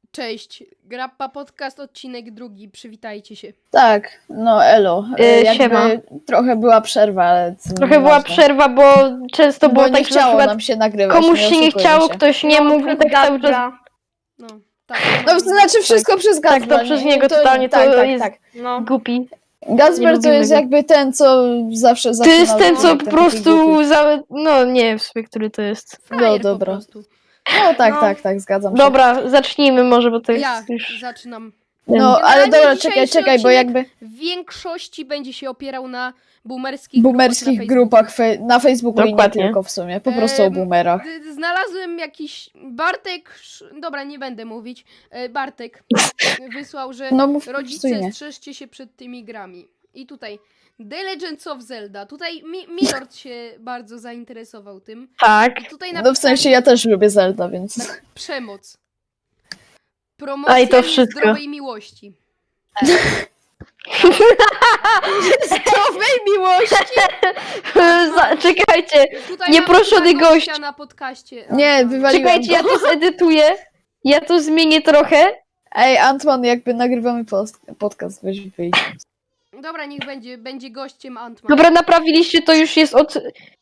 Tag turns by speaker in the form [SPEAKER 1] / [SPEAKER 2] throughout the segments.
[SPEAKER 1] Cześć, Grappa Podcast, odcinek 2, przywitajcie się.
[SPEAKER 2] Tak, no elo.
[SPEAKER 3] Siema.
[SPEAKER 2] Trochę była przerwa, ale
[SPEAKER 3] Trochę była przerwa, bo często było
[SPEAKER 2] bo nie
[SPEAKER 3] tak, że na
[SPEAKER 2] chciało
[SPEAKER 3] przykład
[SPEAKER 2] nam się nagrywać.
[SPEAKER 3] komuś się nie
[SPEAKER 2] oszukujmy
[SPEAKER 3] chciało,
[SPEAKER 2] się.
[SPEAKER 3] ktoś nie mógł i tak cały czas...
[SPEAKER 1] No, tak.
[SPEAKER 2] No to znaczy wszystko przez Gazbra.
[SPEAKER 3] Tak, to przez
[SPEAKER 2] nie?
[SPEAKER 3] niego totalnie, to jest
[SPEAKER 1] No.
[SPEAKER 3] głupi.
[SPEAKER 2] Gazber to
[SPEAKER 3] lubimy
[SPEAKER 2] jest
[SPEAKER 3] go.
[SPEAKER 2] jakby ten, co zawsze
[SPEAKER 3] To
[SPEAKER 2] zaczyna
[SPEAKER 3] jest ten, co
[SPEAKER 2] odcinek,
[SPEAKER 3] po
[SPEAKER 2] ten taki
[SPEAKER 3] prostu...
[SPEAKER 2] głupi.
[SPEAKER 3] No nie, w sumie, który to jest.
[SPEAKER 1] Frajer
[SPEAKER 2] No, dobra.
[SPEAKER 1] po prostu.
[SPEAKER 2] No tak,
[SPEAKER 1] No.
[SPEAKER 2] tak, zgadzam się.
[SPEAKER 3] Dobra, zacznijmy może, bo to jest
[SPEAKER 1] Ja
[SPEAKER 3] już...
[SPEAKER 1] zaczynam.
[SPEAKER 2] No, ale
[SPEAKER 1] Generalnie
[SPEAKER 2] dobra,
[SPEAKER 1] dzisiejszy
[SPEAKER 2] czekaj, bo
[SPEAKER 1] odcinek
[SPEAKER 2] jakby
[SPEAKER 1] W większości będzie się opierał na boomerskich
[SPEAKER 2] boomerskich
[SPEAKER 1] grupach
[SPEAKER 2] grupach na Facebooku i nie
[SPEAKER 3] Dokładnie.
[SPEAKER 2] tylko w sumie, po prostu o boomerach.
[SPEAKER 1] Znalazłem jakiś... Dobra, nie będę mówić. Bartek wysłał, że
[SPEAKER 2] No mów po prostu
[SPEAKER 1] rodzice,
[SPEAKER 2] imię.
[SPEAKER 1] strzeżcie się przed tymi grami. I tutaj The Legends of Zelda. Tutaj Milord się bardzo zainteresował tym.
[SPEAKER 3] Tak.
[SPEAKER 1] I tutaj
[SPEAKER 2] No w sensie ja też lubię Zelda, więc...
[SPEAKER 1] przemoc.
[SPEAKER 3] A
[SPEAKER 1] Promocja
[SPEAKER 3] i to wszystko.
[SPEAKER 1] zdrowej miłości.
[SPEAKER 2] Zdrowej miłości!
[SPEAKER 3] Czekajcie,
[SPEAKER 1] Tutaj
[SPEAKER 3] Nieproszony
[SPEAKER 1] mamy gościa
[SPEAKER 3] gość.
[SPEAKER 1] na podcaście.
[SPEAKER 2] Nie, wywaliłem
[SPEAKER 3] czekajcie, ja to zedytuję. Ja to zmienię trochę.
[SPEAKER 2] Ej, Antman, jakby nagrywamy podcast, weź wyjdź.
[SPEAKER 1] Dobra, niech będzie gościem Antman.
[SPEAKER 3] Dobra, naprawiliście, to już jest od...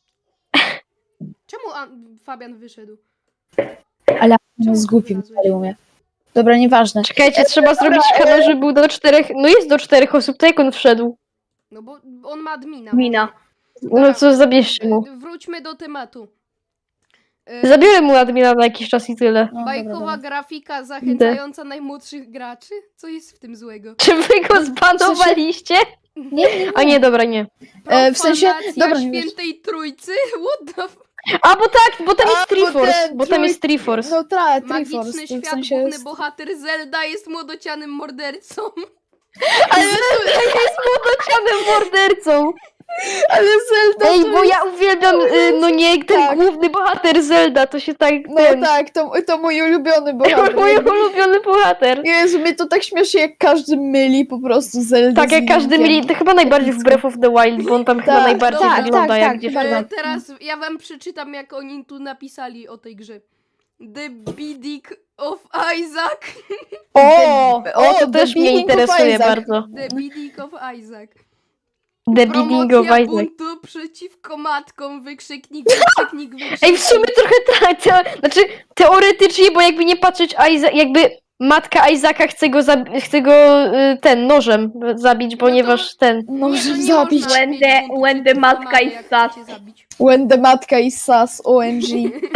[SPEAKER 1] Czemu Fabian wyszedł?
[SPEAKER 2] Ale
[SPEAKER 1] Czemu
[SPEAKER 2] on z
[SPEAKER 1] to
[SPEAKER 2] głupim
[SPEAKER 1] wylazłeś?
[SPEAKER 2] wywalił mnie. Dobra, nieważne.
[SPEAKER 3] Czekajcie, trzeba zrobić kanał, żeby był do 4... No jest do 4 osób, to jak on wszedł?
[SPEAKER 1] No bo on ma admina.
[SPEAKER 3] No co, zabierzcie mu.
[SPEAKER 1] Wróćmy do tematu.
[SPEAKER 3] Zabiorę mu admina na jakiś czas i tyle.
[SPEAKER 2] No,
[SPEAKER 1] Bajkowa
[SPEAKER 2] dobra.
[SPEAKER 1] grafika zachęcająca najmłodszych graczy? Co jest w tym złego?
[SPEAKER 3] Czy wy go zbanowaliście?
[SPEAKER 2] Nie.
[SPEAKER 3] A nie, dobra, nie.
[SPEAKER 2] W sensie-
[SPEAKER 1] Profanacja
[SPEAKER 2] dobra, nie
[SPEAKER 1] świętej trójcy? What the
[SPEAKER 3] A, bo tak, bo tam jest
[SPEAKER 2] A, bo
[SPEAKER 3] Triforce.
[SPEAKER 2] ten
[SPEAKER 3] Bo tam jest
[SPEAKER 2] trój-
[SPEAKER 3] Triforce.
[SPEAKER 2] No tak,
[SPEAKER 1] Magiczny
[SPEAKER 2] Triforce,
[SPEAKER 1] świat,
[SPEAKER 2] w sensie
[SPEAKER 1] główny
[SPEAKER 2] jest...
[SPEAKER 1] bohater Zelda jest młodocianym mordercą.
[SPEAKER 2] Ale
[SPEAKER 3] Jest młodocianym mordercą.
[SPEAKER 2] Zelda
[SPEAKER 3] Ej,
[SPEAKER 2] to
[SPEAKER 3] bo
[SPEAKER 2] jest...
[SPEAKER 3] ja uwielbiam, no nie, ten
[SPEAKER 2] Tak.
[SPEAKER 3] główny bohater Zelda, to się tak...
[SPEAKER 2] No
[SPEAKER 3] ten...
[SPEAKER 2] tak, to mój ulubiony bohater.
[SPEAKER 3] Mój ulubiony bohater.
[SPEAKER 2] Jezu, mnie to tak śmieszy, jak każdy myli po prostu Zelda
[SPEAKER 3] Tak,
[SPEAKER 2] z
[SPEAKER 3] jak każdy
[SPEAKER 2] Linkiem.
[SPEAKER 3] mieli, to chyba najbardziej w Breath of the Wild, bo on tam chyba
[SPEAKER 2] Tak,
[SPEAKER 3] najbardziej
[SPEAKER 1] tak,
[SPEAKER 3] wygląda
[SPEAKER 2] tak,
[SPEAKER 3] jak
[SPEAKER 2] tak,
[SPEAKER 3] dziewczyna.
[SPEAKER 2] bardzo.
[SPEAKER 1] Teraz ja wam przeczytam, jak oni tu napisali o tej grze. The Bidding of Isaac.
[SPEAKER 3] O, to
[SPEAKER 2] The
[SPEAKER 3] też mnie
[SPEAKER 2] Beginning of
[SPEAKER 3] interesuje
[SPEAKER 2] Isaac.
[SPEAKER 3] bardzo.
[SPEAKER 1] The Bidding of Isaac.
[SPEAKER 3] The Beginning of
[SPEAKER 1] Promocja
[SPEAKER 3] Isaac.
[SPEAKER 1] buntu przeciwko matkom, wykrzyknik, wykrzyknik.
[SPEAKER 3] Ej, w sumie trochę tak, znaczy teoretycznie, bo jakby nie patrzeć, jakby matka Isaaca chce go ten nożem zabić, ponieważ ten...
[SPEAKER 2] Możemy
[SPEAKER 1] nie
[SPEAKER 2] zabić.
[SPEAKER 1] można mieć buntu
[SPEAKER 4] when the
[SPEAKER 1] przeciwko
[SPEAKER 4] matka
[SPEAKER 1] mamie,
[SPEAKER 4] is
[SPEAKER 1] jak
[SPEAKER 4] sus.
[SPEAKER 1] chcecie zabić.
[SPEAKER 2] When the matka is sus, OMG.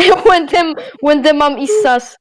[SPEAKER 3] when the mom is sus.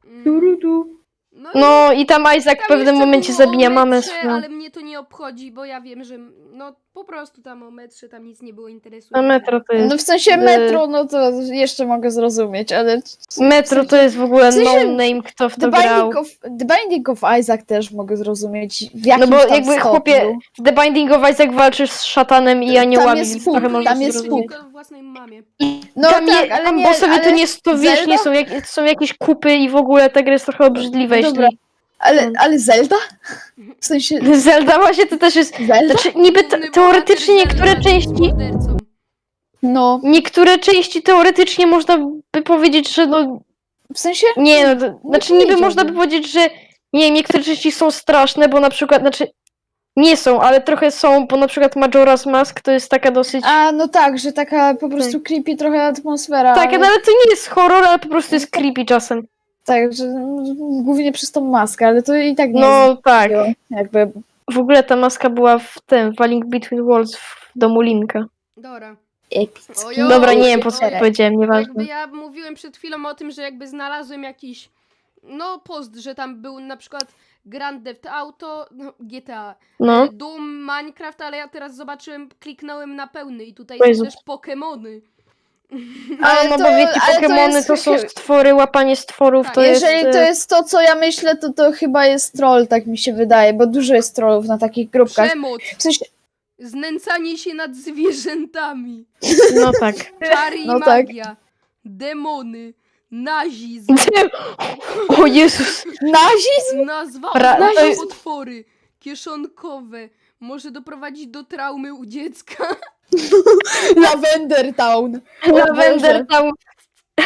[SPEAKER 1] No,
[SPEAKER 3] No i tam Isaac w
[SPEAKER 1] tam
[SPEAKER 3] pewnym
[SPEAKER 1] jeszcze
[SPEAKER 3] momencie
[SPEAKER 1] było
[SPEAKER 3] zabija
[SPEAKER 1] o
[SPEAKER 3] mamę
[SPEAKER 1] metrze,
[SPEAKER 3] swoją.
[SPEAKER 1] ale mnie to nie obchodzi, bo ja wiem, że no po prostu tam o metrze tam nic nie było
[SPEAKER 3] A
[SPEAKER 1] interesującego.
[SPEAKER 3] Metro to jest...
[SPEAKER 2] No w sensie metro, no to jeszcze mogę zrozumieć, ale...
[SPEAKER 3] Metro to jest w ogóle
[SPEAKER 2] w sensie
[SPEAKER 3] no name, kto w
[SPEAKER 2] The
[SPEAKER 3] to grał.
[SPEAKER 2] Binding of Isaac też mogę zrozumieć w
[SPEAKER 3] No
[SPEAKER 2] jakimś
[SPEAKER 3] bo
[SPEAKER 2] tam
[SPEAKER 3] jakby
[SPEAKER 2] stopniu.
[SPEAKER 3] chłopie, w The Binding of Isaac walczysz z szatanem i aniołami,
[SPEAKER 2] jest
[SPEAKER 3] więc
[SPEAKER 2] pół,
[SPEAKER 3] trochę
[SPEAKER 2] tam
[SPEAKER 3] można
[SPEAKER 2] jest
[SPEAKER 3] zrozumieć.
[SPEAKER 2] pół.
[SPEAKER 1] Tylko własnej mamie.
[SPEAKER 2] No
[SPEAKER 3] Tam,
[SPEAKER 2] tak, ale
[SPEAKER 3] tam
[SPEAKER 2] nie,
[SPEAKER 3] bossowie
[SPEAKER 2] ale
[SPEAKER 3] to nie to wiesz, nie
[SPEAKER 2] Zelda?
[SPEAKER 3] są jakieś kupy i w ogóle ta gra jest trochę obrzydliwa,
[SPEAKER 2] Dobra.
[SPEAKER 3] jeśli...
[SPEAKER 2] Ale Zelda? W sensie
[SPEAKER 3] Zelda właśnie to też jest...
[SPEAKER 2] Zelda?
[SPEAKER 3] Znaczy niby
[SPEAKER 1] Główny
[SPEAKER 3] teoretycznie
[SPEAKER 1] bohater
[SPEAKER 3] niektóre
[SPEAKER 1] Zelda jest
[SPEAKER 3] części...
[SPEAKER 1] mordercą.
[SPEAKER 2] No,
[SPEAKER 3] Niektóre części teoretycznie można by powiedzieć, że no...
[SPEAKER 2] w sensie...
[SPEAKER 3] Nie no, znaczy niby
[SPEAKER 2] powiedziałbym.
[SPEAKER 3] można by powiedzieć, że nie wiem, niektóre części są straszne, bo na przykład, znaczy... Nie są, ale trochę są, bo na przykład Majora's Mask to jest taka dosyć...
[SPEAKER 2] A, no tak, że taka po prostu creepy trochę atmosfera.
[SPEAKER 3] Tak, no ale to nie jest horror, ale po prostu jest creepy czasem.
[SPEAKER 2] Tak, że głównie przez tą maskę, ale to i tak nie
[SPEAKER 3] No tak.
[SPEAKER 2] jest jakby...
[SPEAKER 3] W ogóle ta maska była w tym, w A Link Between Worlds w domu Linka.
[SPEAKER 1] Dobra.
[SPEAKER 2] Epicki.
[SPEAKER 1] Ojo,
[SPEAKER 3] Dobra, nie wiem po co
[SPEAKER 1] ojej.
[SPEAKER 3] powiedziałem,
[SPEAKER 1] Jakby
[SPEAKER 3] nieważne.
[SPEAKER 1] ja mówiłem przed chwilą o tym, że jakby znalazłem jakiś no post, że tam był na przykład Grand Theft Auto, no, GTA,
[SPEAKER 3] No.
[SPEAKER 1] Doom, Minecraft, ale ja teraz zobaczyłem, kliknąłem na pełny i tutaj
[SPEAKER 3] O
[SPEAKER 1] są
[SPEAKER 3] Jezu.
[SPEAKER 1] też Pokemony.
[SPEAKER 2] Ale
[SPEAKER 3] No
[SPEAKER 2] to-
[SPEAKER 3] bo wiecie,
[SPEAKER 2] ale to
[SPEAKER 3] Pokemony
[SPEAKER 2] jest
[SPEAKER 3] to są
[SPEAKER 2] chyba-
[SPEAKER 3] stwory, łapanie stworów
[SPEAKER 1] Tak,
[SPEAKER 3] to jest...
[SPEAKER 2] Jeżeli to jest to, co ja myślę, to chyba jest troll, tak mi się wydaje, bo dużo jest trollów na takich grupkach.
[SPEAKER 1] Przemoc,
[SPEAKER 2] W sensie,
[SPEAKER 1] znęcanie się nad zwierzętami,
[SPEAKER 3] No tak.
[SPEAKER 1] czary i
[SPEAKER 2] No tak.
[SPEAKER 1] magia, demony, nazizm,
[SPEAKER 3] O Jezus.
[SPEAKER 2] nazizm?
[SPEAKER 1] nazwa
[SPEAKER 3] Ra-
[SPEAKER 1] oznacza
[SPEAKER 3] to-
[SPEAKER 1] potwory, kieszonkowe, może doprowadzić do traumy u dziecka.
[SPEAKER 2] Lavender Town.
[SPEAKER 3] Lavender tam...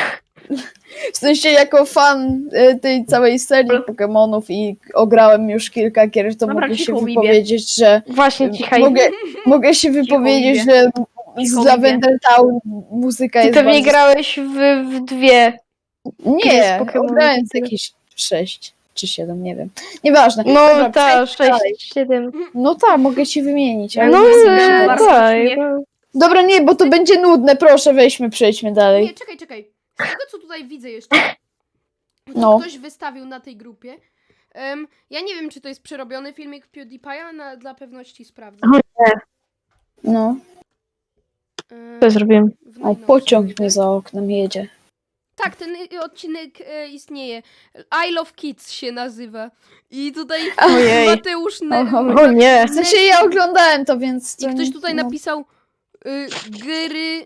[SPEAKER 2] W sensie jako fan tej całej serii Pokemonów i ograłem już kilka gier, to
[SPEAKER 4] Dobra,
[SPEAKER 2] mogę się
[SPEAKER 4] cicho, Wibie.
[SPEAKER 2] wypowiedzieć, że
[SPEAKER 3] Właśnie, cichaj.
[SPEAKER 2] mogę się wypowiedzieć,
[SPEAKER 4] Wibie.
[SPEAKER 2] że z
[SPEAKER 4] Cicho,
[SPEAKER 2] Lavender Town muzyka
[SPEAKER 3] Ty
[SPEAKER 2] jest
[SPEAKER 3] pewnie
[SPEAKER 2] bardzo...
[SPEAKER 3] grałeś w dwie.
[SPEAKER 2] Nie,
[SPEAKER 3] z Pokemonów.
[SPEAKER 2] ograłem z jakieś 6 czy 7, nie wiem. Nieważne.
[SPEAKER 3] No
[SPEAKER 2] Dobra,
[SPEAKER 3] tak,
[SPEAKER 2] przejdźmy dalej.
[SPEAKER 3] 6, 7.
[SPEAKER 2] No tak, mogę ci wymienić. Ale
[SPEAKER 3] No
[SPEAKER 2] nie chcę się
[SPEAKER 4] bardzo
[SPEAKER 2] bardzo.
[SPEAKER 3] tak.
[SPEAKER 4] czuję.
[SPEAKER 2] Dobra, nie, bo to będzie nudne, proszę, przejdźmy dalej.
[SPEAKER 1] Nie, czekaj. Z tego, co tutaj widzę jeszcze, co
[SPEAKER 2] No.
[SPEAKER 1] ktoś wystawił na tej grupie, ja nie wiem, czy to jest przerobiony filmik PewDiePie'a, dla pewności sprawdzę.
[SPEAKER 2] No.
[SPEAKER 3] Co zrobiłem?
[SPEAKER 1] W
[SPEAKER 2] O,
[SPEAKER 1] najnowszym,
[SPEAKER 2] pociąg
[SPEAKER 1] tak?
[SPEAKER 2] mnie za oknem jedzie.
[SPEAKER 1] Tak, ten odcinek istnieje. I Love Kids się nazywa. I tutaj
[SPEAKER 3] Ojej.
[SPEAKER 1] Mateusz...
[SPEAKER 3] O nie.
[SPEAKER 2] W sensie ja oglądałem to, więc...
[SPEAKER 1] I
[SPEAKER 2] to
[SPEAKER 1] ktoś
[SPEAKER 2] nie-
[SPEAKER 1] tutaj
[SPEAKER 2] no.
[SPEAKER 1] napisał gry,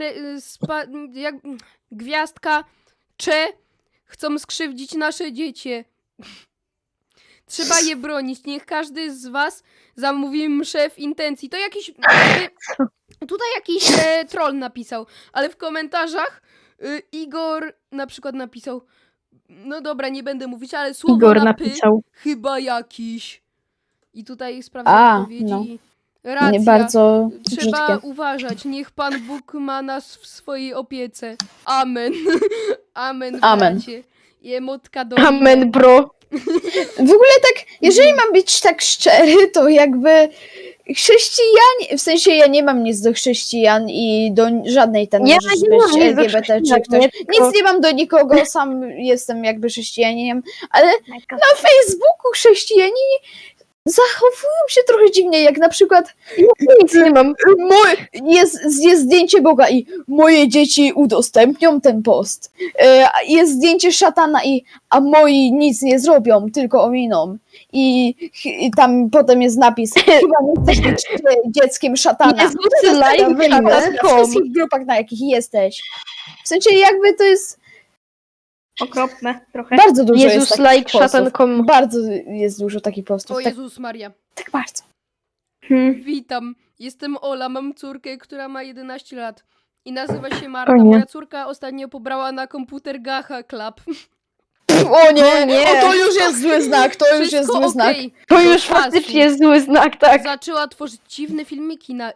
[SPEAKER 1] gwiazdka, chcą skrzywdzić nasze dziecię. Trzeba je bronić. Niech każdy z was zamówi mszę w intencji. To jakiś... Tutaj jakiś troll napisał, ale w komentarzach Igor na przykład napisał, no dobra, nie będę mówić, ale słowo
[SPEAKER 3] Igor
[SPEAKER 1] na py
[SPEAKER 3] napisał.
[SPEAKER 1] chyba jakiś. I tutaj sprawdzam
[SPEAKER 2] A,
[SPEAKER 1] odpowiedzi.
[SPEAKER 2] no.
[SPEAKER 1] Racja.
[SPEAKER 2] Nie bardzo
[SPEAKER 1] Trzeba
[SPEAKER 2] brzydkie.
[SPEAKER 1] uważać. Niech Pan Bóg ma nas w swojej opiece. Amen. Amen,
[SPEAKER 2] Amen.
[SPEAKER 1] bracie. I emotka do...
[SPEAKER 3] Amen, bro.
[SPEAKER 2] W ogóle tak, jeżeli mam być tak szczery, to jakby chrześcijanie, w sensie ja nie mam nic do chrześcijan i do żadnej ten
[SPEAKER 3] Ja
[SPEAKER 2] możesz
[SPEAKER 3] nie mam
[SPEAKER 2] być
[SPEAKER 3] nic do
[SPEAKER 2] LGBT czy
[SPEAKER 3] chrześcijan,
[SPEAKER 2] ktoś.
[SPEAKER 3] nie, tylko-
[SPEAKER 2] Nic nie mam do nikogo, sam jestem jakby chrześcijaninem, ale na Facebooku chrześcijanie zachowują się trochę dziwnie, jak na przykład
[SPEAKER 3] Nic nie mam.
[SPEAKER 2] jest zdjęcie Boga i moje dzieci udostępnią ten post. Jest zdjęcie szatana a moi nic nie zrobią, tylko ominą. I tam potem jest napis, chyba nie chcesz być dzieckiem szatana.
[SPEAKER 3] Jezus,
[SPEAKER 2] To jest taka
[SPEAKER 3] like
[SPEAKER 2] wymysł na
[SPEAKER 3] szatan.com.
[SPEAKER 2] wszystkich grupach, na jakich jesteś. W sensie jakby to jest
[SPEAKER 4] Okropne trochę.
[SPEAKER 2] bardzo dużo jest
[SPEAKER 3] Jezus,
[SPEAKER 2] takich
[SPEAKER 3] like
[SPEAKER 2] postów.
[SPEAKER 3] szatan.com.
[SPEAKER 2] Bardzo jest dużo takich postów.
[SPEAKER 1] O
[SPEAKER 2] Tak,
[SPEAKER 1] Jezus Maria.
[SPEAKER 2] tak bardzo.
[SPEAKER 1] Witam. Jestem Ola, mam córkę, która ma 11 lat. I nazywa się Marta.
[SPEAKER 3] O nie.
[SPEAKER 1] Moja córka ostatnio pobrała na komputer Gacha Club.
[SPEAKER 2] O nie,
[SPEAKER 3] O nie.
[SPEAKER 2] O, to już jest zły znak, to już jest
[SPEAKER 1] Wszystko
[SPEAKER 2] zły znak.
[SPEAKER 1] okej.
[SPEAKER 3] To
[SPEAKER 1] Do
[SPEAKER 3] już
[SPEAKER 1] czasu.
[SPEAKER 3] faktycznie jest zły znak, tak.
[SPEAKER 1] Zaczęła tworzyć dziwne filmiki na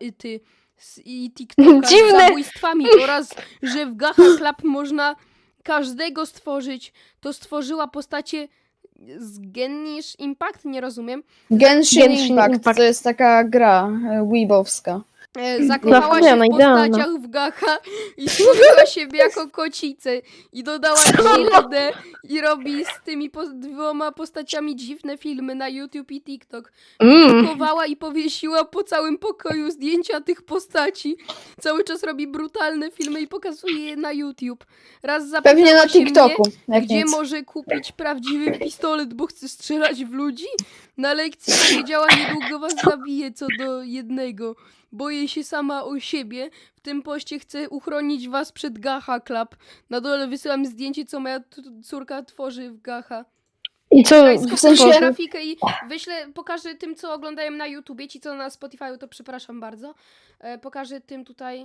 [SPEAKER 1] i TikToka z
[SPEAKER 3] Dziwne.
[SPEAKER 1] zabójstwami oraz, że w Gacha Club można każdego stworzyć. To stworzyła postacie z Genish Impact, nie rozumiem.
[SPEAKER 2] Genshin
[SPEAKER 3] Genshin
[SPEAKER 2] Impact,
[SPEAKER 3] Impact.
[SPEAKER 2] to jest taka gra weebowska.
[SPEAKER 1] Zakochała się
[SPEAKER 3] Zapomniana,
[SPEAKER 1] w
[SPEAKER 3] idealna.
[SPEAKER 1] postaciach w Gacha i stworzyła siebie jako kocicę i dodała gildę i robi z tymi dwoma postaciami dziwne filmy na YouTube i TikTok. Chowała i powiesiła po całym pokoju zdjęcia tych postaci. Cały czas robi brutalne filmy i pokazuje je na YouTube. Raz zapytała
[SPEAKER 2] Pewnie na
[SPEAKER 1] się
[SPEAKER 2] TikToku,
[SPEAKER 1] mnie,
[SPEAKER 2] jak
[SPEAKER 1] gdzie
[SPEAKER 2] nic.
[SPEAKER 1] może kupić prawdziwy pistolet, bo chce strzelać w ludzi. Na lekcji powiedziała, niedługo was zabiję co do jednego. Boję się sama o siebie. W tym poście chcę uchronić was przed Gacha Club. Na dole wysyłam zdjęcie, co moja córka tworzy w Gacha.
[SPEAKER 3] I co?
[SPEAKER 1] Daj,
[SPEAKER 2] w sensie-
[SPEAKER 1] skopiuję grafikę i pokażę tym, co oglądają na YouTubie. Ci, co na Spotify, to przepraszam bardzo. Pokażę tym tutaj.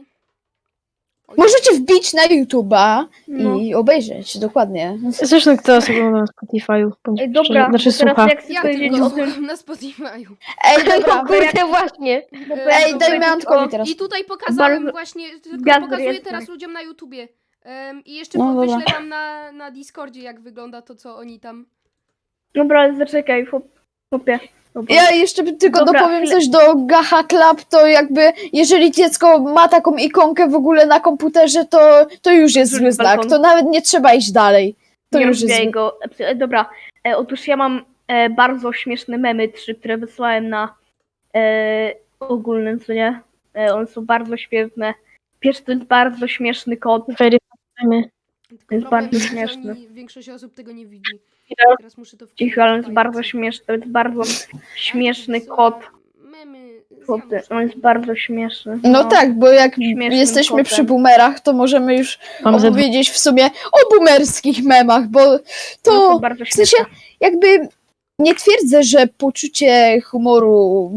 [SPEAKER 1] Oj.
[SPEAKER 2] Możecie wbić na YouTube'a
[SPEAKER 4] No.
[SPEAKER 2] i obejrzeć, dokładnie.
[SPEAKER 3] Zresztą kto nas ogląda na Spotify'u?
[SPEAKER 4] Ej, dobra,
[SPEAKER 3] Znaczy
[SPEAKER 4] bo teraz
[SPEAKER 3] słucha.
[SPEAKER 4] jak chcę
[SPEAKER 1] Ja
[SPEAKER 4] powiedzieć
[SPEAKER 1] tylko
[SPEAKER 4] o tym...
[SPEAKER 1] słucham na Spotify'u.
[SPEAKER 2] Ej, dobra.
[SPEAKER 3] Kurde, właśnie.
[SPEAKER 4] bo
[SPEAKER 2] Ej,
[SPEAKER 4] jak chcę
[SPEAKER 2] dajmy
[SPEAKER 4] powiedzieć
[SPEAKER 2] Antkowi teraz.
[SPEAKER 1] I tutaj pokazałem
[SPEAKER 4] Bardzo-
[SPEAKER 1] właśnie, tylko
[SPEAKER 4] Gwiazdy
[SPEAKER 1] pokazuję
[SPEAKER 4] jest,
[SPEAKER 1] teraz
[SPEAKER 4] tak.
[SPEAKER 1] ludziom na YouTubie. I jeszcze
[SPEAKER 2] No,
[SPEAKER 1] wyślę
[SPEAKER 2] dobra.
[SPEAKER 1] wam na Discordzie, jak wygląda to, co oni tam...
[SPEAKER 4] Dobra, ale zaczekaj, chłopie. Dobra.
[SPEAKER 2] Ja jeszcze tylko
[SPEAKER 4] Dobra,
[SPEAKER 2] dopowiem
[SPEAKER 4] chwilę.
[SPEAKER 2] coś do Gacha Club, to jakby jeżeli dziecko ma taką ikonkę w ogóle na komputerze, to już jest
[SPEAKER 4] Rzuć
[SPEAKER 2] zły znak,
[SPEAKER 4] balkon.
[SPEAKER 2] to nawet nie trzeba iść dalej. To
[SPEAKER 4] Nie
[SPEAKER 2] już jest
[SPEAKER 4] rozwijaj
[SPEAKER 2] zły.
[SPEAKER 4] go. Dobra, otóż ja mam bardzo śmieszne memy, które wysłałem na ogólnym, co nie? One są bardzo śmieszne. Pierwszy to jest bardzo śmieszny kot.
[SPEAKER 3] Weryfikujemy.
[SPEAKER 1] Tylko
[SPEAKER 4] jest
[SPEAKER 1] problem
[SPEAKER 4] bardzo
[SPEAKER 1] że
[SPEAKER 4] śmieszny.
[SPEAKER 1] większość osób tego nie widzi.
[SPEAKER 4] Cicho,
[SPEAKER 1] Teraz muszę to
[SPEAKER 4] Cicho, ale on jest
[SPEAKER 1] wkleić.
[SPEAKER 4] bardzo śmieszny. To jest bardzo śmieszny
[SPEAKER 1] Wysyłam
[SPEAKER 4] kot.
[SPEAKER 1] Memy z
[SPEAKER 4] Chłopie,
[SPEAKER 1] Januszem.
[SPEAKER 4] on jest bardzo śmieszny.
[SPEAKER 2] No tak, bo jak
[SPEAKER 4] Śmiesznym
[SPEAKER 2] jesteśmy przy
[SPEAKER 4] kotem.
[SPEAKER 2] boomerach, to możemy już
[SPEAKER 3] Mam ze
[SPEAKER 2] opowiedzieć w sumie o boomerskich memach, bo
[SPEAKER 4] One
[SPEAKER 2] to
[SPEAKER 4] są bardzo
[SPEAKER 2] w sensie
[SPEAKER 4] śmieszne.
[SPEAKER 2] jakby nie twierdzę, że poczucie humoru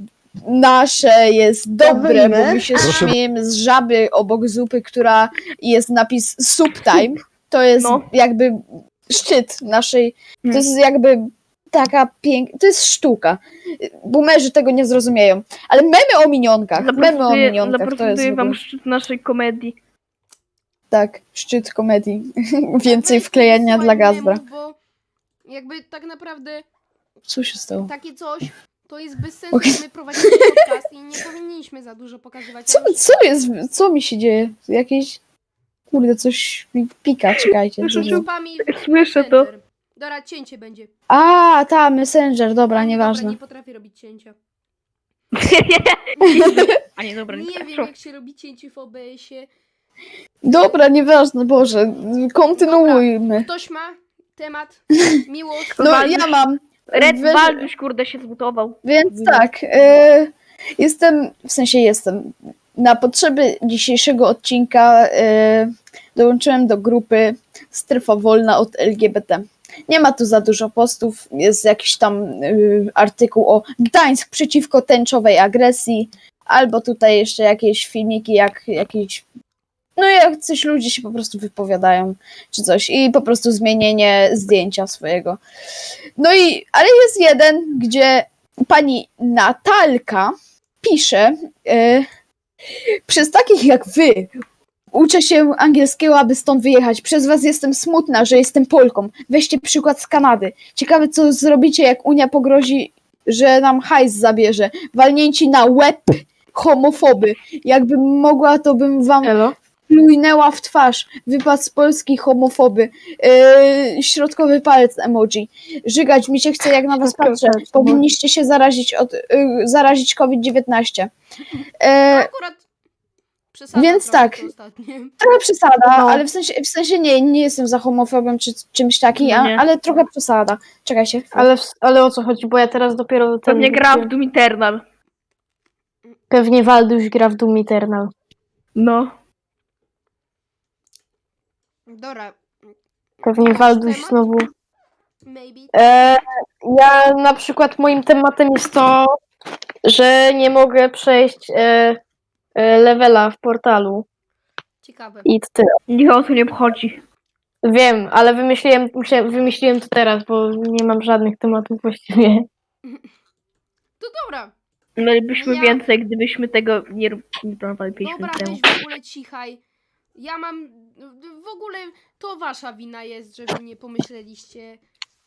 [SPEAKER 2] nasze jest dobre, bo my się
[SPEAKER 5] Proszę.
[SPEAKER 2] śmiejemy z żaby obok zupy, która jest napis subtime. To jest
[SPEAKER 4] No.
[SPEAKER 2] jakby szczyt naszej, to
[SPEAKER 4] Hmm.
[SPEAKER 2] jest jakby taka piękna, to jest sztuka. Boomerzy tego nie zrozumieją. Ale memy o minionkach, to jest
[SPEAKER 4] Zaprezentuję
[SPEAKER 2] w
[SPEAKER 4] wam
[SPEAKER 2] ogóle,
[SPEAKER 4] szczyt naszej komedii.
[SPEAKER 2] tak, szczyt komedii. Więcej
[SPEAKER 1] Weź
[SPEAKER 2] wklejania
[SPEAKER 1] słuchaj
[SPEAKER 2] dla Gazdra.
[SPEAKER 1] memów, bo jakby tak naprawdę
[SPEAKER 2] Co się stało?
[SPEAKER 1] takie coś to jest bez sensu,
[SPEAKER 2] Okej.
[SPEAKER 1] że my prowadzimy podcast i nie powinniśmy za dużo pokazywać.
[SPEAKER 2] Co jest, co mi się dzieje? Jakieś, kurde, coś mi pika, czekajcie.
[SPEAKER 4] Słyszę,
[SPEAKER 2] co
[SPEAKER 4] że-
[SPEAKER 2] to-
[SPEAKER 1] Grupami
[SPEAKER 4] Słyszę to.
[SPEAKER 1] Messenger. Dobra, cięcie będzie.
[SPEAKER 2] A, ta, Messenger, dobra,
[SPEAKER 1] A nie,
[SPEAKER 2] nieważne.
[SPEAKER 1] nie potrafię robić cięcia.
[SPEAKER 4] A nie, dobra,
[SPEAKER 1] Nie wiem,
[SPEAKER 4] proszę.
[SPEAKER 1] jak się robi cięcie w OBS-ie.
[SPEAKER 2] Dobra, nieważne, Boże, kontynuujmy.
[SPEAKER 1] Ktoś ma temat, miłość.
[SPEAKER 2] No,
[SPEAKER 4] Walduś-
[SPEAKER 2] ja mam.
[SPEAKER 4] Red
[SPEAKER 2] Wy-
[SPEAKER 4] Walduś, kurde, się zmutował.
[SPEAKER 2] Więc tak, jestem. Na potrzeby dzisiejszego odcinka dołączyłem do grupy Strefa Wolna od LGBT. Nie ma tu za dużo postów, jest jakiś tam artykuł o Gdańsk przeciwko tęczowej agresji, albo tutaj jeszcze jakieś filmiki, jak coś ludzie się po prostu wypowiadają, czy coś, i po prostu zmienienie zdjęcia swojego. No i, ale jest jeden, gdzie pani Natalka pisze, przez takich jak wy uczę się angielskiego, aby stąd wyjechać. Przez was jestem smutna, że jestem Polką. Weźcie przykład z Kanady. Ciekawe, co zrobicie, jak Unia pogrozi, że nam hajs zabierze. Walnięci na łeb homofoby. Jakbym mogła, to bym wam
[SPEAKER 3] Elo?
[SPEAKER 2] plujnęła w twarz. Wypad z Polski homofoby. Środkowy palec emoji. Żygać mi się chce, jak na was
[SPEAKER 3] Środkowy
[SPEAKER 2] patrzę.
[SPEAKER 3] palec emoji.
[SPEAKER 2] Powinniście się zarazić COVID-19.
[SPEAKER 1] Akurat przesada
[SPEAKER 2] Więc
[SPEAKER 1] trochę
[SPEAKER 2] tak.
[SPEAKER 1] to ostatnie.
[SPEAKER 2] Trochę przesada,
[SPEAKER 3] No.
[SPEAKER 2] ale w sensie nie jestem za homofobem czy czymś takim,
[SPEAKER 4] No nie.
[SPEAKER 2] ale trochę przesada. Czekaj się.
[SPEAKER 3] Ale o co chodzi? Bo ja teraz dopiero...
[SPEAKER 4] Pewnie gra w Doom Eternal.
[SPEAKER 3] Pewnie Walduś gra w Doom Eternal.
[SPEAKER 4] No.
[SPEAKER 1] Dobra.
[SPEAKER 3] Pewnie
[SPEAKER 1] Jakiś
[SPEAKER 3] Walduś
[SPEAKER 1] temat?
[SPEAKER 3] znowu...
[SPEAKER 1] Maybe.
[SPEAKER 3] Ja na przykład moim tematem jest to, że nie mogę przejść levela w portalu
[SPEAKER 1] Ciekawe.
[SPEAKER 3] i to tyle.
[SPEAKER 4] Nikogo tu nie obchodzi.
[SPEAKER 3] Wiem, ale wymyśliłem to teraz, bo nie mam żadnych tematów właściwie.
[SPEAKER 1] To dobra.
[SPEAKER 4] Mielibyśmy
[SPEAKER 1] Ja-
[SPEAKER 4] więcej, gdybyśmy tego nie planowali 5
[SPEAKER 1] Dobra,
[SPEAKER 4] minut temu.
[SPEAKER 1] weź w ogóle cichaj. Ja mam... W ogóle to wasza wina jest, że wy nie pomyśleliście.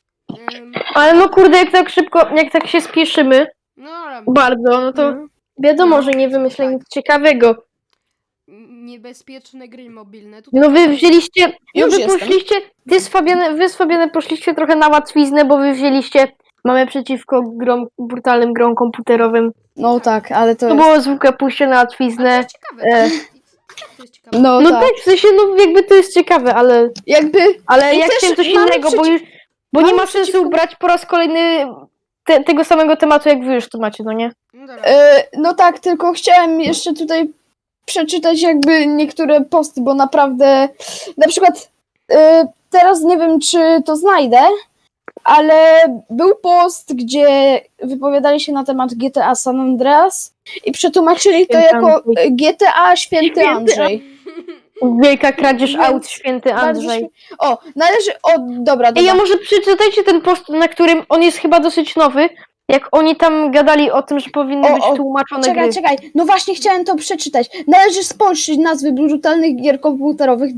[SPEAKER 3] Ale no kurde, jak tak szybko, jak tak się spieszymy
[SPEAKER 1] No dobra.
[SPEAKER 3] bardzo, no to wiadomo, że nie wymyślę nic ciekawego.
[SPEAKER 1] Niebezpieczne gry mobilne. Tutaj
[SPEAKER 3] No wy wzięliście,
[SPEAKER 2] Już
[SPEAKER 3] wy
[SPEAKER 2] jestem.
[SPEAKER 3] poszliście, wy z Fabianem poszliście trochę na łatwiznę, bo wy wzięliście, mamy przeciwko brutalnym grom komputerowym.
[SPEAKER 2] No tak, ale to
[SPEAKER 3] To
[SPEAKER 2] jest...
[SPEAKER 3] było zwykłe pójście na
[SPEAKER 1] Ale to
[SPEAKER 3] łatwiznę.
[SPEAKER 1] jest ciekawe.
[SPEAKER 3] e.
[SPEAKER 1] To jest ciekawe.
[SPEAKER 2] No,
[SPEAKER 3] No
[SPEAKER 2] tak.
[SPEAKER 3] tak, w sensie, no jakby to jest ciekawe, ale
[SPEAKER 2] Jakby... I
[SPEAKER 3] ja
[SPEAKER 2] też
[SPEAKER 3] chciałem coś
[SPEAKER 2] mamy
[SPEAKER 3] innego, bo nie
[SPEAKER 2] mamy
[SPEAKER 3] ma sensu
[SPEAKER 2] przeciwko-
[SPEAKER 3] brać po raz kolejny tego samego tematu, jak wy już tu macie, no nie?
[SPEAKER 1] No dobra.
[SPEAKER 2] No tak, tylko chciałem jeszcze tutaj przeczytać jakby niektóre posty, bo naprawdę na przykład teraz nie wiem, czy to znajdę, ale był post, gdzie wypowiadali się na temat GTA San Andreas i przetłumaczyli to
[SPEAKER 3] Święty
[SPEAKER 2] jako
[SPEAKER 3] Andrzej.
[SPEAKER 2] GTA Święty
[SPEAKER 4] Święty
[SPEAKER 2] Andrzej.
[SPEAKER 3] Wielka kradzież
[SPEAKER 2] Więc
[SPEAKER 3] aut, święty
[SPEAKER 2] Bardzo
[SPEAKER 3] Andrzej.
[SPEAKER 2] O, należy... O, dobra,
[SPEAKER 3] Ej, ja
[SPEAKER 2] dobra.
[SPEAKER 3] może przeczytajcie ten post, na którym on jest chyba dosyć nowy, jak oni tam gadali o tym, że powinny
[SPEAKER 2] O,
[SPEAKER 3] być
[SPEAKER 2] o,
[SPEAKER 3] tłumaczone
[SPEAKER 2] Czekaj,
[SPEAKER 3] gry.
[SPEAKER 2] czekaj. No właśnie chciałem to przeczytać. Należy spolszyć nazwy brutalnych gier komputerowych,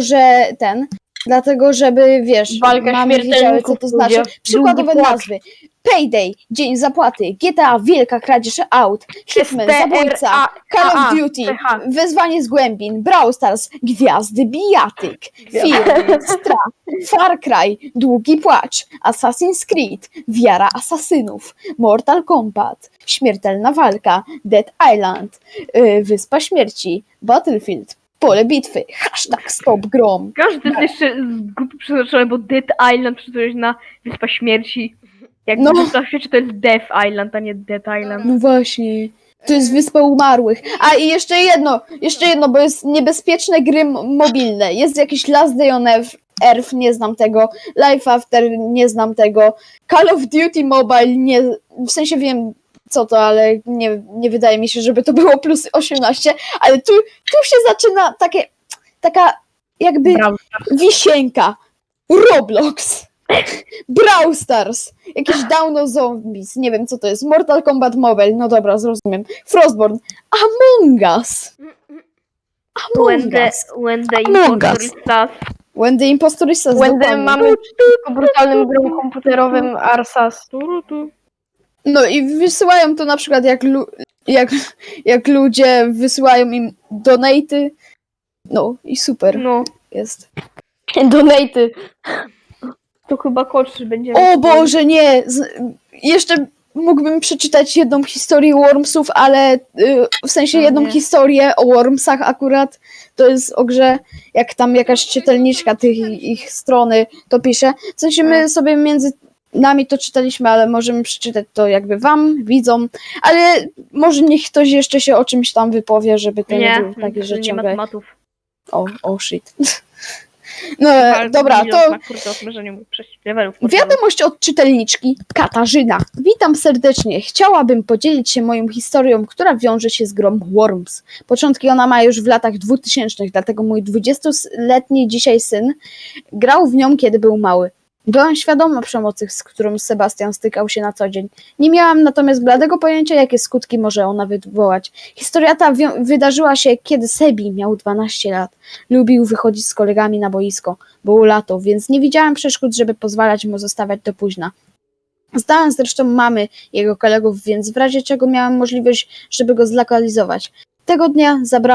[SPEAKER 2] dlatego żeby, wiesz,
[SPEAKER 3] Walka
[SPEAKER 2] mamy wiedziały, co
[SPEAKER 3] śmiertelników,
[SPEAKER 2] to znaczy.
[SPEAKER 3] ludzie.
[SPEAKER 2] Przykładowe
[SPEAKER 3] Długi płacz.
[SPEAKER 2] nazwy. Payday, Dzień Zapłaty, GTA, Wielka Kradzież Aut, Hitman, Zabójca, Call of Duty,
[SPEAKER 3] TH.
[SPEAKER 2] Wezwanie z Głębin, Brawl Stars, Gwiazdy Bijatyk, Film, Strach, Far Cry, Długi Płacz, Assassin's Creed, Wiara Asasynów, Mortal Kombat, Śmiertelna Walka, Dead Island, Wyspa Śmierci, Battlefield, Pole Bitwy, hashtag Stop Grom.
[SPEAKER 4] Każdy jest jeszcze z grupy przeznaczony, bo Dead Island przeczytałeś na Wyspa Śmierci. Jak
[SPEAKER 2] No.
[SPEAKER 4] Wyspa Śmierci to jest Death Island, a nie Dead Island.
[SPEAKER 2] No właśnie, to jest Wyspa Umarłych. A i jeszcze jedno, bo jest niebezpieczne gry mobilne. Jest jakiś Last Day on Earth, nie znam tego, Life After, nie znam tego, Call of Duty Mobile, nie, w sensie wiem co to, ale nie wydaje mi się, żeby to było plus 18, ale tu się zaczyna taka jakby
[SPEAKER 3] Brawo.
[SPEAKER 2] wisienka, Roblox, Brawl Stars, jakieś Down of Zombies, nie wiem co to jest, Mortal Kombat Mobile, no dobra, zrozumiem, Frostborn, Among Us, Among Us,
[SPEAKER 4] When the
[SPEAKER 2] Among
[SPEAKER 4] impostor
[SPEAKER 2] Us.
[SPEAKER 4] is sus.
[SPEAKER 2] When the Impostor is Us,
[SPEAKER 3] When
[SPEAKER 2] dokładnie.
[SPEAKER 3] mamy po brutalnym grą komputerowym Arsas.
[SPEAKER 2] No i wysyłają to na przykład jak ludzie wysyłają im donaty, no i super
[SPEAKER 4] No,
[SPEAKER 2] jest.
[SPEAKER 3] Donaty.
[SPEAKER 4] to chyba Koczy będzie.
[SPEAKER 2] O Boże, nie! Jeszcze mógłbym przeczytać jedną historię Wormsów, ale w sensie
[SPEAKER 4] O
[SPEAKER 2] jedną
[SPEAKER 4] nie.
[SPEAKER 2] historię o Wormsach akurat. To jest o grze, jak tam jakaś czytelniczka tych ich strony to pisze. W sensie my sobie między nami to czytaliśmy, ale możemy przeczytać to jakby wam, widzom, ale może niech ktoś jeszcze się o czymś tam wypowie, żeby to nie było takie, że
[SPEAKER 4] nie
[SPEAKER 2] ciągle...
[SPEAKER 4] matematów.
[SPEAKER 2] O shit. No dobra, to...
[SPEAKER 4] Nie mógł przejść levelów.
[SPEAKER 2] Wiadomość od czytelniczki Katarzyna. Witam serdecznie. Chciałabym podzielić się moją historią, która wiąże się z grą Worms. Początki ona ma już w latach 2000, dlatego mój 20-letni dzisiaj syn grał w nią, kiedy był mały. Byłam świadoma przemocy, z którą Sebastian stykał się na co dzień. Nie miałam natomiast bladego pojęcia, jakie skutki może ona wywołać. Historia ta wydarzyła się, kiedy Sebi miał 12 lat. Lubił wychodzić z kolegami na boisko. Było lato, więc nie widziałam przeszkód, żeby pozwalać mu zostawać do późna. Znałam zresztą mamy jego kolegów, więc w razie czego miałam możliwość, żeby go zlokalizować. Tego dnia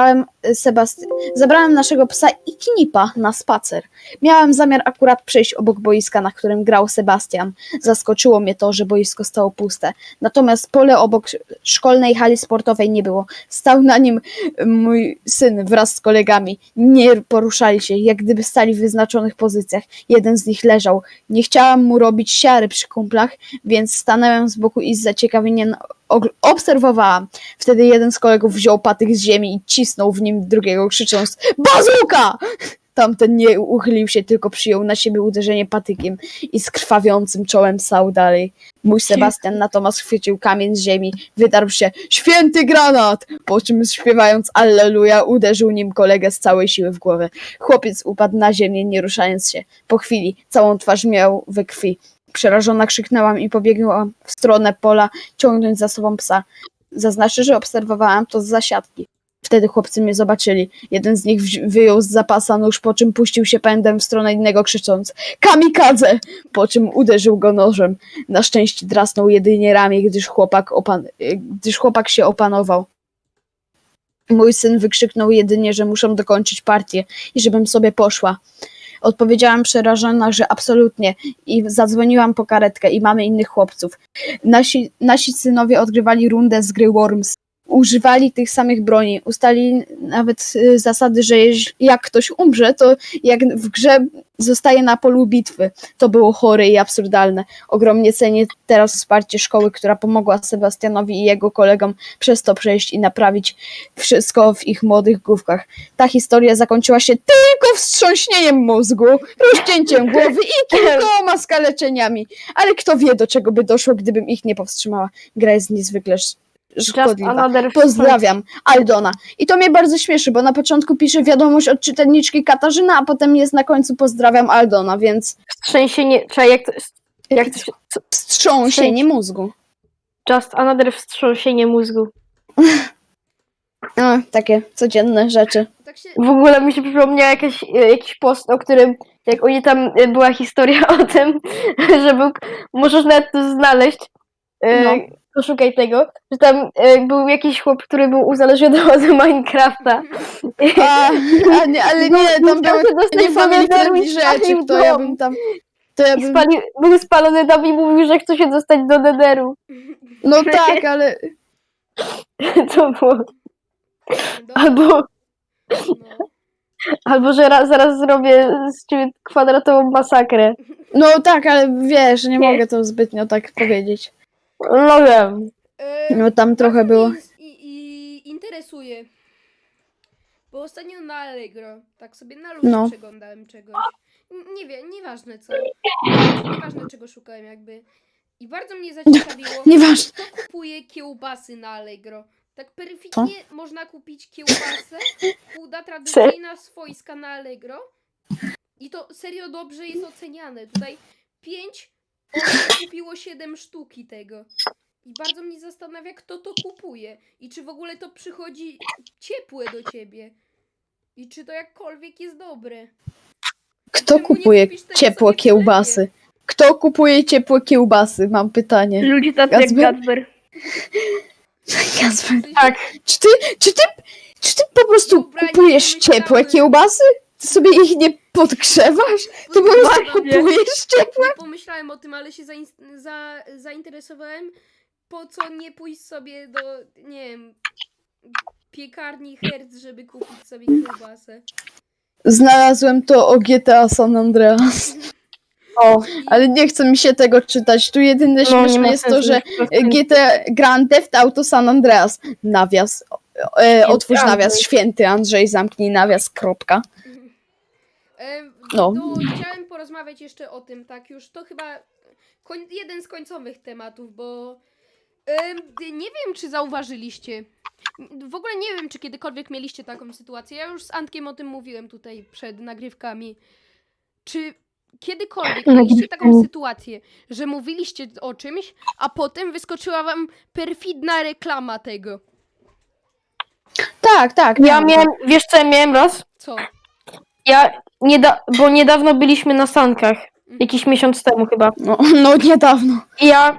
[SPEAKER 2] zabrałem naszego psa i Knipa na spacer. Miałam zamiar akurat przejść obok boiska, na którym grał Sebastian. Zaskoczyło mnie to, że boisko stało puste. Natomiast pole obok szkolnej hali sportowej nie było. Stał na nim mój syn wraz z kolegami. Nie poruszali się, jak gdyby stali w wyznaczonych pozycjach. Jeden z nich leżał. Nie chciałam mu robić siary przy kumplach, więc stanęłam z boku i z zaciekawieniem obserwowałam. Wtedy jeden z kolegów wziął patyk z ziemi i cisnął w nim drugiego, krzycząc: „Bazuka!” Tamten nie uchylił się, tylko przyjął na siebie uderzenie patykiem i z krwawiącym czołem stał dalej. Mój Sebastian natomiast chwycił kamień z ziemi, wydarł się: „Święty granat!” Po czym śpiewając Alleluja uderzył nim kolegę z całej siły w głowę. Chłopiec upadł na ziemię, nie ruszając się. Po chwili całą twarz miał we krwi. Przerażona krzyknęłam i pobiegłam w stronę pola, ciągnąc za sobą psa. Zaznaczę, że obserwowałam to z zasiadki. Wtedy chłopcy mnie zobaczyli. Jeden z nich wyjął z zapasa nóż, po czym puścił się pędem w stronę innego, krzycząc: „Kamikadze!” Po czym uderzył go nożem. Na szczęście drasnął jedynie ramię, gdyż chłopak się opanował. Mój syn wykrzyknął jedynie, że muszą dokończyć partię i żebym sobie poszła. Odpowiedziałam przerażona, że absolutnie, i zadzwoniłam po karetkę i mamy innych chłopców. Nasi synowie odgrywali rundę z gry Worms. Używali tych samych broni. Ustalili nawet zasady, że jak ktoś umrze, to jak w grze zostaje na polu bitwy. To było chore i absurdalne. Ogromnie cenię teraz wsparcie szkoły, która pomogła Sebastianowi i jego kolegom przez to przejść i naprawić wszystko w ich młodych główkach. Ta historia zakończyła się tylko wstrząśnieniem mózgu, rozcięciem głowy i kilkoma skaleczeniami. Ale kto wie, do czego by doszło, gdybym ich nie powstrzymała. Gra jest niezwykle szkodliwa. Pozdrawiam, Aldona. I to mnie bardzo śmieszy, bo na początku pisze wiadomość od czytelniczki Katarzyna, a potem jest na końcu pozdrawiam Aldona, więc
[SPEAKER 3] Wstrzęsienie, czy jak to się...
[SPEAKER 2] wstrząsienie mózgu.
[SPEAKER 3] Just another wstrząsienie mózgu.
[SPEAKER 2] No, takie codzienne rzeczy.
[SPEAKER 1] Tak się...
[SPEAKER 3] W ogóle mi się przypomniał jakiś post, o którym, jak oni tam, była historia o tym, że możesz nawet to znaleźć,
[SPEAKER 2] No.
[SPEAKER 3] poszukaj tego, że tam był jakiś chłop, który był uzależniony od Minecrafta.
[SPEAKER 2] Nie, ale nie, tam były nie family friendly rzeczy, to ja bym tam...
[SPEAKER 3] Był spalony tam i mówił, że chce się dostać do Netheru.
[SPEAKER 2] No tak, ale...
[SPEAKER 3] To było...
[SPEAKER 1] No.
[SPEAKER 3] Albo że zaraz zrobię z ciebie kwadratową masakrę.
[SPEAKER 2] No tak, ale wiesz, nie mogę to zbytnio tak powiedzieć.
[SPEAKER 3] No wiem.
[SPEAKER 2] No tam trochę było...
[SPEAKER 1] I interesuje. Bo ostatnio na Allegro, tak sobie na luzie przeglądałem czegoś. Nie wiem, nieważne co. Nieważne czego szukałem jakby. I bardzo mnie zaciekawiło,
[SPEAKER 2] Nieważne.
[SPEAKER 1] kto kupuje kiełbasy na Allegro. Tak perfidnie można kupić kiełbasę, chuda, tradycyjna, swojska na Allegro. I to serio dobrze jest oceniane. Tutaj 5 osób kupiło 7 sztuki tego. I bardzo mnie zastanawia, kto to kupuje. I czy w ogóle to przychodzi ciepłe do ciebie. I czy to jakkolwiek jest dobre.
[SPEAKER 2] Kto
[SPEAKER 1] Czemu nie
[SPEAKER 2] kupuje
[SPEAKER 1] kupisz tego
[SPEAKER 2] ciepłe
[SPEAKER 1] sobie w sklepie?
[SPEAKER 2] kiełbasy? Kto kupuje ciepłe kiełbasy? Mam pytanie.
[SPEAKER 4] Ludzie tacy jak
[SPEAKER 2] Kacper?
[SPEAKER 4] Kacper.
[SPEAKER 2] Jasper,
[SPEAKER 3] Tak.
[SPEAKER 2] czy ty po prostu
[SPEAKER 1] Dobra, nie
[SPEAKER 2] kupujesz
[SPEAKER 1] pomyślałem.
[SPEAKER 2] ciepłe kiełbasy? Ty sobie ich nie podgrzewasz? Ty po prostu kupujesz ciepłe?
[SPEAKER 1] Nie pomyślałem o tym, ale się zainteresowałem. Po co nie pójść sobie do, nie wiem, piekarni Hertz, żeby kupić sobie kiełbasę.
[SPEAKER 2] Znalazłem to o GTA San Andreas.
[SPEAKER 3] O,
[SPEAKER 2] Ale nie chce mi się tego czytać. Tu jedyne
[SPEAKER 3] no, nie
[SPEAKER 2] śmieszne
[SPEAKER 3] ma
[SPEAKER 2] jest to,
[SPEAKER 3] sensu,
[SPEAKER 2] że
[SPEAKER 3] już po prostu-
[SPEAKER 2] GTA Grand Theft Auto San Andreas. Nawias. Otwórz
[SPEAKER 3] Andrzej.
[SPEAKER 2] nawias. Święty Andrzej, zamknij nawias. Kropka. No.
[SPEAKER 1] Chciałem porozmawiać jeszcze o tym, tak już to chyba jeden z końcowych tematów, bo nie wiem, czy zauważyliście. W ogóle nie wiem, czy kiedykolwiek mieliście taką sytuację. Ja już z Antkiem o tym mówiłem tutaj przed nagrywkami. Czy kiedykolwiek mieliście taką sytuację, że mówiliście o czymś, a potem wyskoczyła wam perfidna reklama tego?
[SPEAKER 2] Tak, tak.
[SPEAKER 3] Ja
[SPEAKER 2] miałam
[SPEAKER 3] miałem, wiesz co ja miałem raz?
[SPEAKER 1] Co?
[SPEAKER 3] Bo niedawno byliśmy na sankach. Jakiś miesiąc temu chyba.
[SPEAKER 2] No niedawno.
[SPEAKER 3] I ja...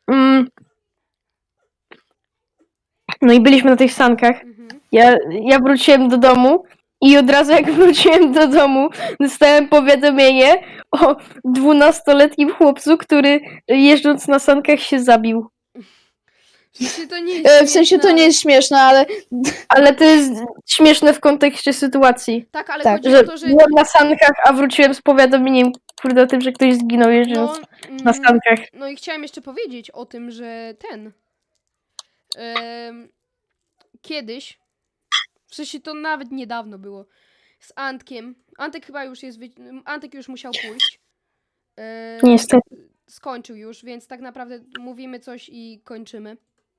[SPEAKER 3] no i byliśmy na tych sankach.
[SPEAKER 1] Mhm.
[SPEAKER 3] Ja wróciłem do domu i od razu jak wróciłem do domu, dostałem powiadomienie o 12-letnim chłopcu, który jeżdżąc na sankach się zabił.
[SPEAKER 1] Czy to nie jest
[SPEAKER 2] W sensie to
[SPEAKER 1] śmieszne,
[SPEAKER 2] nie jest śmieszne, ale
[SPEAKER 3] Ale to jest śmieszne w kontekście sytuacji.
[SPEAKER 1] Tak, ale
[SPEAKER 2] Tak,
[SPEAKER 1] chodzi
[SPEAKER 3] Że
[SPEAKER 1] o to, że...
[SPEAKER 3] byłem na sankach, a wróciłem z powiadomieniem, kurde, o tym, że ktoś zginął jeżdżąc na sankach.
[SPEAKER 1] No i chciałem jeszcze powiedzieć o tym, że kiedyś, w sensie to nawet niedawno było, z Antkiem, Antek chyba już jest, Antek już musiał pójść.
[SPEAKER 3] Niestety.
[SPEAKER 1] Skończył już, więc tak naprawdę mówimy coś i kończymy.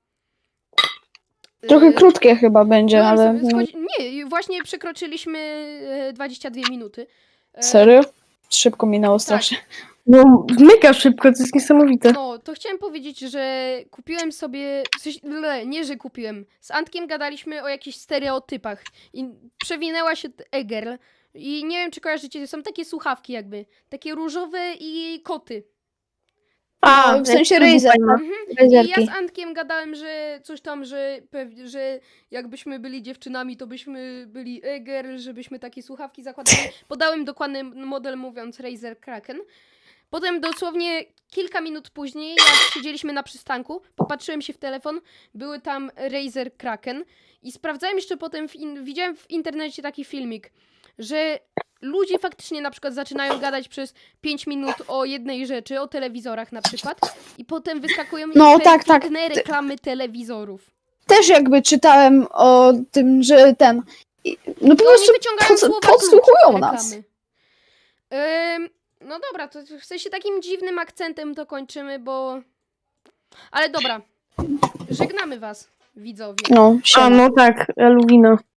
[SPEAKER 2] trochę krótkie chyba będzie,
[SPEAKER 1] byłem
[SPEAKER 2] ale...
[SPEAKER 1] sobie nie, właśnie przekroczyliśmy 22 minuty.
[SPEAKER 2] Serio? Szybko minęło strasznie.
[SPEAKER 3] No, mega szybko, to jest niesamowite.
[SPEAKER 1] No, to chciałem powiedzieć, że kupiłem sobie, w sensie, nie, że kupiłem. Z Antkiem gadaliśmy o jakichś stereotypach i przewinęła się Egerl i nie wiem, czy kojarzycie, są takie słuchawki jakby, takie różowe i koty.
[SPEAKER 2] W sensie Razer, no.
[SPEAKER 1] I ja
[SPEAKER 2] Razerki.
[SPEAKER 1] z Antkiem gadałem, że coś tam, że jakbyśmy byli dziewczynami, to byśmy byli Egerl, żebyśmy takie słuchawki zakładali. Podałem dokładny model, mówiąc Razer Kraken. Potem dosłownie kilka minut później, jak siedzieliśmy na przystanku, popatrzyłem się w telefon, były tam Razer Kraken i sprawdzałem jeszcze potem, widziałem w internecie taki filmik, że ludzie faktycznie na przykład zaczynają gadać przez 5 minut o jednej rzeczy, o telewizorach na przykład i potem wyskakują
[SPEAKER 2] No,
[SPEAKER 1] jeszcze
[SPEAKER 2] tak, tak.
[SPEAKER 1] inne reklamy telewizorów.
[SPEAKER 2] Też jakby czytałem o tym, że no po
[SPEAKER 1] I oni
[SPEAKER 2] prostu
[SPEAKER 1] wyciągają słowa
[SPEAKER 2] podsłuchują
[SPEAKER 1] klucz
[SPEAKER 2] nas.
[SPEAKER 1] reklamy. No dobra, to w sensie takim dziwnym akcentem to kończymy, bo... Ale dobra, żegnamy was, widzowie.
[SPEAKER 2] No,
[SPEAKER 3] A
[SPEAKER 2] siema.
[SPEAKER 3] no tak, Luwina.